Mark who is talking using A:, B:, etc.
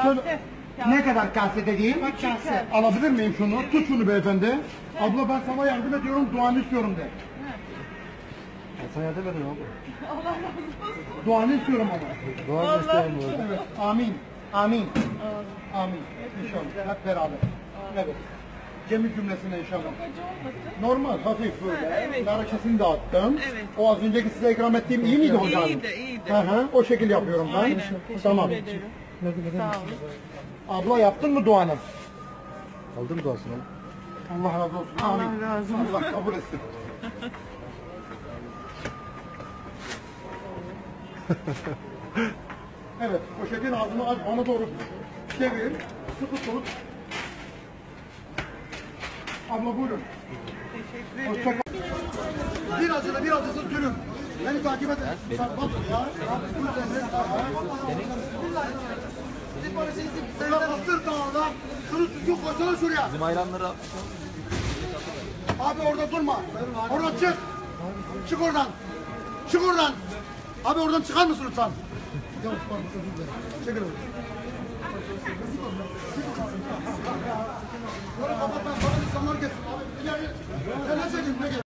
A: Ne kadar kase dediğim?
B: Kase.
A: Alabilir miyim şunu? Tut şunu beyefendi. Abla ben sana yardım ediyorum, duanı istiyorum de.
C: Sen yardım edin abi.
B: Allah razı olsun.
A: Duanı istiyorum ama.
C: Dua isteyelim bu arada.
A: Evet, amin. Amin. Amin. İnşallah. Hep beraber. Evet. Cemil cümlesine inşallah.
B: Çok acı olmasın.
A: Normal, hafif böyle.
B: Evet.
A: Narakesini dağıttım.
B: Evet.
A: O az önceki size ikram ettiğim iyi miydi hocam?
B: İyiydi, iyiydi.
A: Hı hı, o şekil yapıyorum ben.
B: Aynen. Teşekkür
A: Tamam.
B: ederim. Sağ olun.
A: Abla yaptın mı duanı?
C: Aldın mı duasını?
A: Allah razı olsun.
B: Allah
A: Amin.
B: razı olsun.
A: Allah kabul etsin. Evet, poşetin ağzını aç, bana doğru çevir, sıkı tut. Abla buyurun.
B: Teşekkür
A: Hoşça
B: ederim.
A: kal. Bir acılı bir acısız gülüm. Beni takip edin. Bak ya. Sen bastır dağına. Şunu düzgün koysana şuraya.
C: Bizim ayranları
A: Abi orada durma. Oradan çık. Çık oradan. Çık oradan. Abi oradan çıkar mısın lütfen? Yavaş pardon özür dilerim. Çekil oradan. Böyle kapatma. Bana insanlar gelsin. Abi ileri. Sen ne çekin? Ne gel?